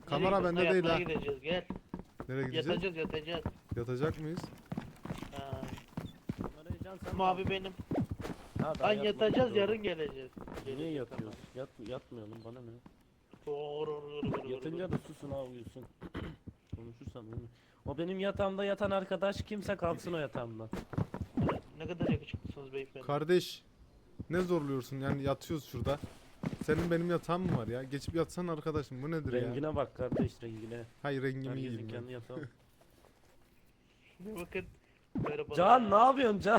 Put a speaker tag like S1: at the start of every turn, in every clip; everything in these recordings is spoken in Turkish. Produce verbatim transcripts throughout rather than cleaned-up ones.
S1: Kamera
S2: gidiyorsun?
S1: bende değil
S2: Yatmaya
S1: ha.
S2: gideceğiz gel.
S1: Nereye gideceğiz?
S2: Yatacağız yatacağız.
S1: Yatacak mıyız?
S2: Ha.
S3: Kamerayı Can sen mi
S2: Mavi
S3: aldın?
S2: benim.
S3: Ha, daha
S2: Lan
S3: yatmadık,
S2: yatacağız
S3: doğru.
S2: yarın geleceğiz.
S3: Niye
S2: Gelecek
S3: yatıyoruz? Yat, yatmayalım bana ne?
S2: tamam.
S3: Yatınca da susun ha uyusun. Konuşursan uyuyor. O benim yatağımda yatan arkadaş kimse kalksın o yatağımdan.
S2: Ne kadar yakışıklısınız beyefendi.
S1: Kardeş. Ne zorluyorsun yani yatıyoruz şurada. Senin benim yatağım mı var ya? Geçip yatsan arkadaşım bu nedir ya?
S3: Rengine bak kardeş rengine.
S1: Hayır rengimi
S3: Herkesin
S1: yiyeyim ben.
S3: kendi yatağı.
S2: Bir bakın. Merhaba.
S3: Can ne yapıyorsun Can?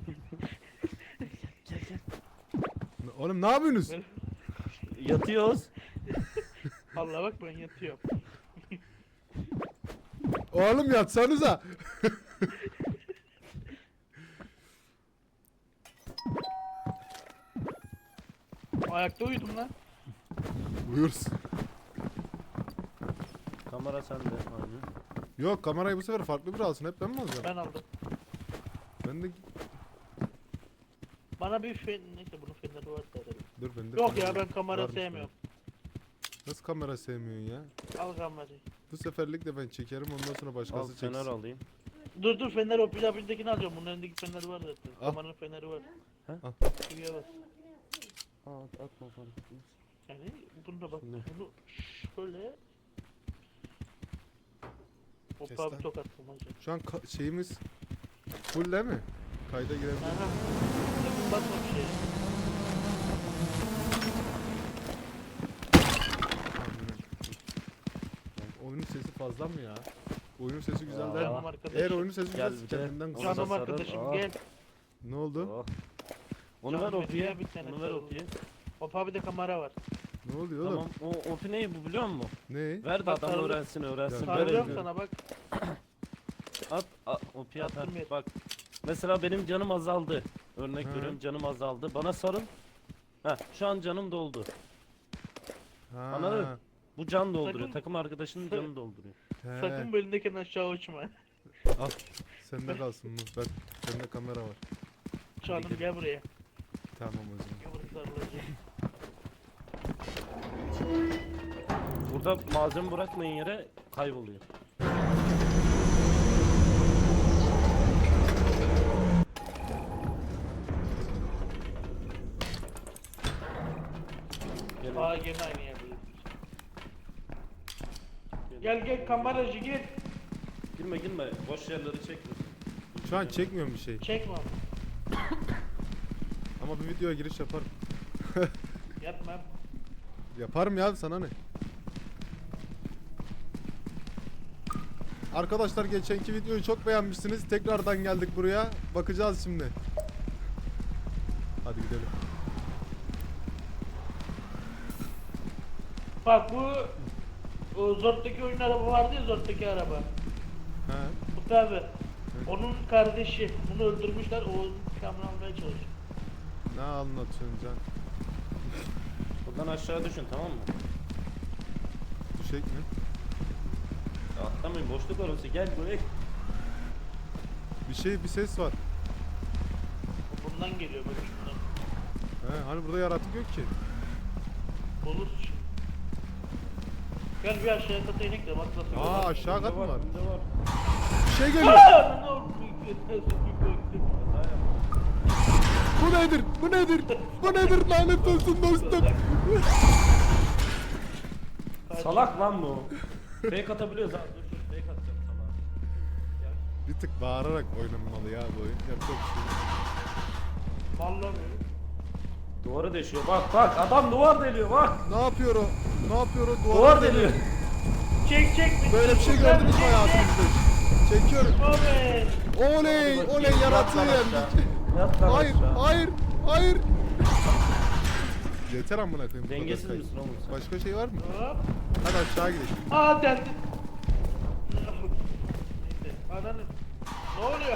S1: Oğlum ne yapıyorsunuz?
S3: Yatıyoruz.
S2: Allah bak ben yatıyorum.
S1: Oğlum yatsanıza.
S2: Ayakta uyudum lan.
S1: Buyursun.
S3: Kamera sende. Aynen.
S1: Yok kamerayı bu sefer farklı biri alsın. Hep ben mi alacağım?
S2: Ben aldım.
S1: Ben de...
S2: Bana bir fen... Neyse bunun feneri var herhalde.
S1: Dur ben de...
S2: Yok ya
S1: kamera-
S2: ben kamera
S1: varmış
S2: sevmiyorum.
S1: bende. Nasıl kamera sevmiyorsun ya?
S2: Al kamerayı.
S1: Bu seferlik de ben çekerim ondan sonra
S3: Al
S1: başkası
S3: fener
S1: çeksin.
S3: alayım.
S2: Dur dur fener o pilabildekini alacağım. Bunun elindeki feneri var zaten.
S1: Al.
S2: Kameranın feneri var.
S3: He?
S1: Al.
S2: Şuraya bas.
S3: Aa at, atma fark etmez.
S2: Yani bunu da bak.
S3: Ne?
S2: Bunu şöyle.
S1: Kes
S2: Hoppa
S1: lan.
S2: bir tokat bulmaca.
S1: Şu an ka- şeyimiz full değil mi? Kayda girebilir.
S2: Aha. Sakın basma bir şeye.
S1: Oyunun sesi fazla mı ya? Oyunun sesi güzel
S3: Aa,
S1: değil
S2: Canım
S1: mi?
S2: arkadaşım.
S1: Eğer oyunun sesi
S3: Gel
S1: güzel
S3: bir de.
S1: kendinden
S3: Ona
S1: kız.
S3: da
S2: Canım
S3: sarıl.
S2: arkadaşım
S3: Aa.
S2: gel.
S1: Ne oldu?
S3: Oh. Onu
S2: Can
S3: ver
S2: Bey,
S3: Opi'ye.
S2: bir tane
S3: Onu ver
S2: sarıl.
S3: Opi'ye.
S2: Hoppa bir de kamera var.
S1: Ne oluyor oğlum?
S3: Tamam o Opi neyi bu biliyor musun?
S1: Ne?
S3: Ver de
S2: Bak,
S3: adam
S2: sarıldı.
S3: öğrensin öğrensin.
S1: Ya,
S3: Ver
S2: Sarılıyorum
S3: elini.
S2: sana bak.
S3: At, at Opi'ye at.
S2: Attım
S3: at.
S2: yer.
S3: Bak. Mesela benim canım azaldı. Örnek
S1: Hı.
S3: veriyorum canım azaldı. Bana sarıl. Heh şu an canım doldu.
S1: Ha.
S3: Anladın? Bu can dolduruyor.
S2: Sakın-
S3: Takım arkadaşının canını dolduruyor.
S1: He.
S2: Sakın bu elindekini aşağı uçma.
S1: Al. Sende kalsın bu. Ben, bende kamera var.
S2: Canım gel buraya.
S1: Tamam o zaman.
S2: Gel buraya sarılacağım.
S3: Burada malzeme bırakmayın yere kayboluyor. Gelin.
S2: Aa gene aynı yerdeyiz. Gel gel kameracı gel.
S3: Girme girme. Boş yerleri çekmesin.
S1: Şu an çekmiyorum bir şey.
S2: Çekme.
S1: Ama bir videoya giriş yaparım.
S2: Yapma.
S1: Yaparım ya sana ne? Arkadaşlar geçenki videoyu çok beğenmişsiniz. Tekrardan geldik buraya. Bakacağız şimdi. Hadi gidelim.
S2: Bak bu o Zort'taki oyun araba vardı ya Zort'taki araba.
S1: He.
S2: Bu tabi. Onun kardeşi. Bunu öldürmüşler. O kamera almaya çalışıyor.
S1: Ne anlatıyorsun Can?
S3: Buradan aşağı düşün tamam mı?
S1: Düşek mi?
S3: Ya atlamayın boşluk orası gel buraya.
S1: Bir şey bir ses var.
S2: O bundan geliyor böyle şundan.
S1: He, hani burada yaratık yok ki.
S2: Buluruz şimdi. Gel bir aşağıya kata inek de bak nasıl.
S1: Aa aşağı kat mı var?
S3: Önde var.
S1: Bir şey geliyor.
S2: Aa, ne oldu? Bir
S1: Bu nedir? Bu nedir? Bu nedir lanet olsun dostum?
S3: Salak lan bu. Fake atabiliyoruz abi. Dur dur fake atacağım salağa.
S1: Bir tık bağırarak oynanmalı ya bu oyun. Yapacak bir şey yok.
S2: Vallahi
S3: Duvarı deşiyor. Bak bak adam duvar deliyor bak.
S1: Ne yapıyor o? Ne yapıyor o? Duvara
S3: Duvar
S1: deliyor.
S3: deliyor.
S2: Çek çek.
S1: Böyle bir şey gördünüz mü hayatınızda? Çekiyorum.
S2: Oley.
S1: Oley, oley yaratığı yendik.
S3: Yat lan
S1: Hayır,
S3: aşağı.
S1: hayır, hayır. Yeter amına koyayım. bu kadar
S3: Dengesiz
S1: kayıt.
S3: misin oğlum sen?
S1: Başka şey var mı?
S2: Hop.
S1: Hadi aşağı gidelim.
S2: Aa deldi. Neyse. Ananı. Ne oluyor?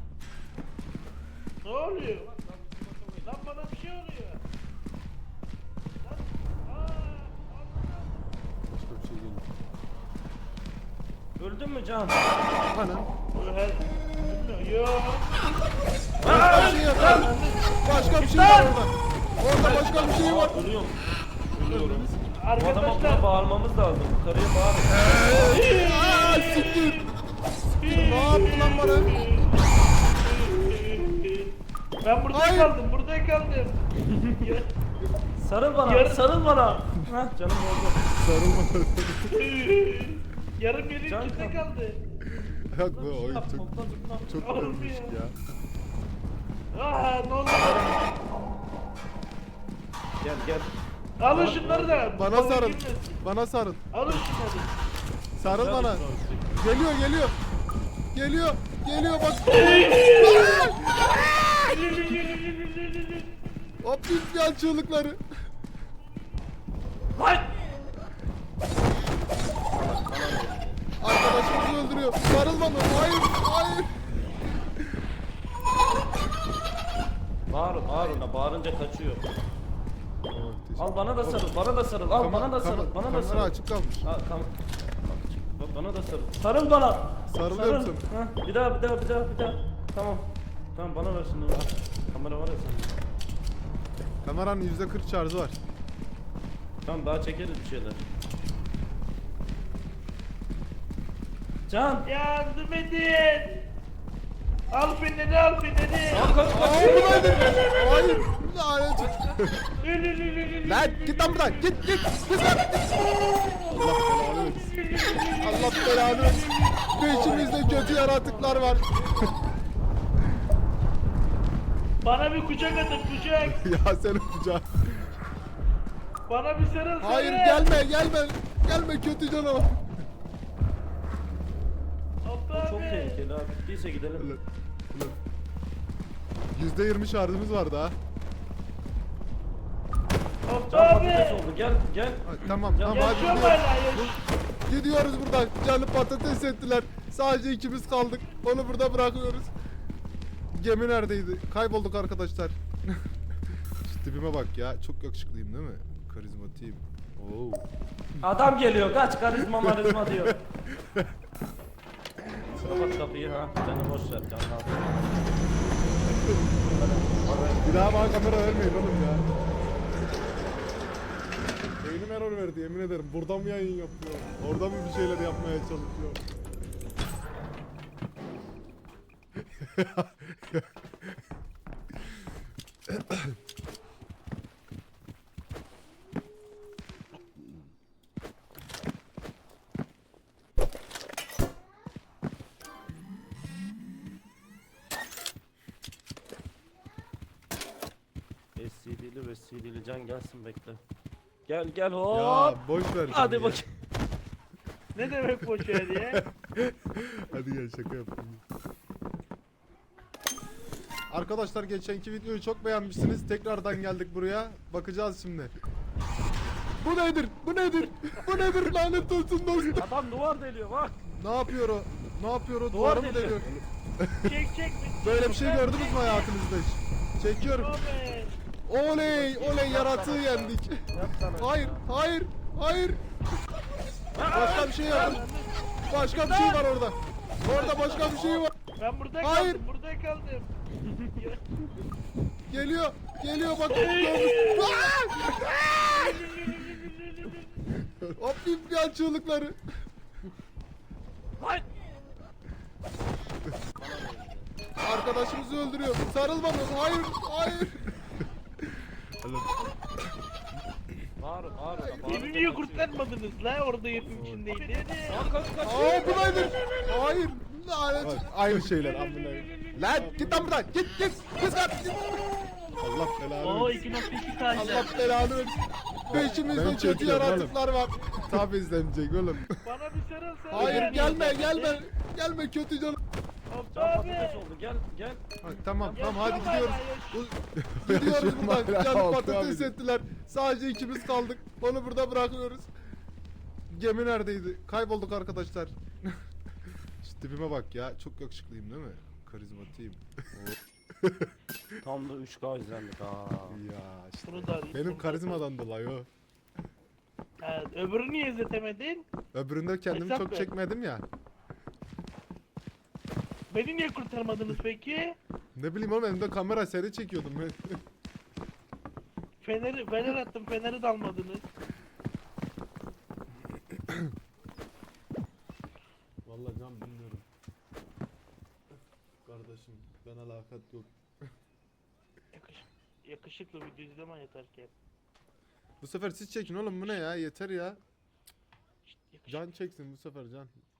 S2: Ne oluyor? Lan bana bir şey oluyor. Lan. Aa.
S1: Başka bir şey geliyor.
S3: Öldün mü Can?
S1: Anam.
S2: Her... Bilmiyorum. Yok.
S1: Başka bir şey yok. lan. Başka bir şey var orada. Orada başka bir şey var.
S3: Ölüyorum. Ölüyorum. Bu adama
S2: Arkadaşlar.
S3: buna bağırmamız lazım. Yukarıya bağırın.
S1: Hayır.
S2: kaldım, burada kaldım. Ya-
S3: Sarıl bana,
S2: Yarın-
S3: sarıl bana. Hah canım oldu.
S1: Sarılma.
S2: Yarım yerin
S3: Can
S2: içinde
S3: kal-
S2: kaldı.
S1: Yok bu
S3: Bir şey
S1: oyun
S3: yap,
S1: çok
S3: topla, zıpla.
S1: çok
S2: Oğlum
S1: ölmüş
S2: ya.
S1: ya.
S2: Aa ne oldu?
S3: Gel gel.
S2: Alın şunları da.
S1: Bana
S2: balık
S1: sarıl.
S2: girmesin.
S1: Bana sarıl.
S2: Alın şunları.
S1: Sarıl
S3: Gel,
S1: bana.
S3: gel.
S1: Geliyor geliyor. Geliyor. Geliyor bak. Hop ya çığlıkları.
S3: Lan!
S1: Arkadaşımızı öldürüyor. Sarıl bana. Hayır. Hayır.
S3: Bağır, bağır ona, bağırınca kaçıyor.
S1: Tamam, teşekkür-
S3: Al bana da sarıl, bana da sarıl. Al
S1: Kama-
S3: bana da
S1: kama-
S3: sarıl, bana da
S1: kamera
S3: sarıl.
S1: açık kalmış.
S3: Al, kam Bak, bana da sarıl. Sarıl bana.
S1: Sarılıyorum
S3: Sarıl. Hah, bir daha, bir daha, bir daha, bir daha. Tamam. Tamam bana ver şimdi. Al. Kamera var ya senin.
S1: Kameranın yüzde kırk şarjı var.
S3: Tamam daha çekeriz bir şeyler. Can.
S2: Yardım edin. Al feneri, al feneri.
S3: Al kaç kaç.
S1: Hayır. Lanet. Lan git lan buradan. Git git. Git lan. Allah belanı versin. Allah belanı versin. Peşimizde kötü yaratıklar var.
S2: Bana bir kucak atın, kucak.
S1: Ya sen kucağı.
S2: Bana bir sarıl, sarıl.
S1: Hayır gelme gelme. Gelme kötü canavar.
S2: Abla
S3: Çok
S2: abi.
S3: tehlikeli abi. Bittiyse gidelim.
S1: Yüzde yirmi şarjımız vardı ha.
S2: Abla
S3: Can
S2: abi.
S3: patates oldu. Gel gel.
S1: Ha, Tamam tamam hadi
S2: Yaşıyorum
S1: gidiyoruz.
S2: hala, yaş.
S1: Gidiyoruz buradan. Canı patates ettiler. Sadece ikimiz kaldık. Onu burada bırakıyoruz. Gemi neredeydi? Kaybolduk arkadaşlar. Şu tipime bak ya. Çok yakışıklıyım değil mi? Karizmatiyim. Oo.
S3: Adam geliyor. Kaç karizma marizma diyor. Kapat kapıyı ha. Seni boş ver. Can al.
S1: Bir daha bana kamera vermeyin oğlum ya. Beynim error verdi yemin ederim. Buradan mı yayın yapıyor? Oradan mı bir şeyler yapmaya çalışıyor?
S3: S C D'li ve C D'li Can gelsin bekle. Gel gel hop.
S1: Ya boş ver.
S3: Hadi
S1: canım ya.
S3: bakayım.
S2: Ne demek boş ver ya?
S1: Hadi gel şaka yapayım. Arkadaşlar geçenki videoyu çok beğenmişsiniz. Tekrardan geldik buraya. Bakacağız şimdi. Bu nedir? Bu nedir? Bu nedir? Lanet olsun dostum.
S3: Adam duvar deliyor bak.
S1: Ne yapıyor o? Ne yapıyor o?
S3: Duvar
S1: Duvarı mı
S3: deliyor.
S1: deliyor?
S2: Çek çek.
S1: Böyle bir şey gördünüz mü hayatınızda hiç? Çekiyorum.
S2: Abi.
S1: Oley! Oley yaratığı yendik.
S3: Yap sana.
S1: Hayır! Hayır! Hayır! Başka bir şey yapın. Başka bir şey var orada. Orada başka bir şey var.
S2: Ben burada
S1: Hayır.
S2: kaldım, burada kaldım. Ya-
S1: Geliyor. Geliyor bak. Gördüm. Hop ya çığlıkları.
S3: Lan.
S1: Arkadaşımızı öldürüyor. Sarıl bana. Hayır. Hayır.
S3: Bağır bağır.
S2: Beni niye kurtarmadınız la? Orada yerin içindeydi.
S3: Kaç kaç kaç.
S1: Aa bu nedir? Hayır. Lanet. Aynı şeyler amına. Lan git lan buradan. Git git. Kız lan. Git. Allah belanı
S2: Oo
S1: versin.
S2: iki nokta iki tane.
S1: Allah belanı versin. Peşimizde kötü yaratıklar var. Tabi izlenecek oğlum.
S2: Bana bir sarıl sarıl.
S1: Hayır gelme gelme. Gelme kötü canım.
S2: Abla
S3: Can
S2: abi.
S3: patates oldu. Gel gel.
S1: Ha, tamam tamam hadi
S2: Yaşıyorum
S1: gidiyoruz.
S2: hala,
S1: Bu- gidiyoruz buradan.
S4: hala
S1: Canı
S4: altı
S1: patates
S4: abi.
S1: ettiler. Sadece ikimiz kaldık. Onu burada bırakıyoruz. Gemi neredeydi? Kaybolduk arkadaşlar. Şu tipime bak ya. Çok yakışıklıyım değil mi? Karizmatiyim.
S3: Tam da üç K izlendik ha.
S1: Ya işte.
S2: Bunu da arayayım,
S1: Benim
S2: bunu da
S1: karizmadan dolayı o.
S2: Evet, öbürünü niye izletemedin?
S1: Öbüründe kendimi
S2: Hesap
S1: çok
S2: ver.
S1: çekmedim ya.
S2: Beni niye kurtarmadınız peki?
S1: Ne bileyim oğlum elimde kamera seri çekiyordum ben.
S2: Feneri, fener attım, feneri de almadınız.
S1: Vallahi can bilmiyorum. Kardeşim ben alakat yok.
S2: yakışıklı video izlemen yeter ki.
S1: Bu sefer siz çekin oğlum, bu ne ya, yeter ya.
S2: Şşt, yakışıklı.
S1: Can çeksin bu sefer, Can.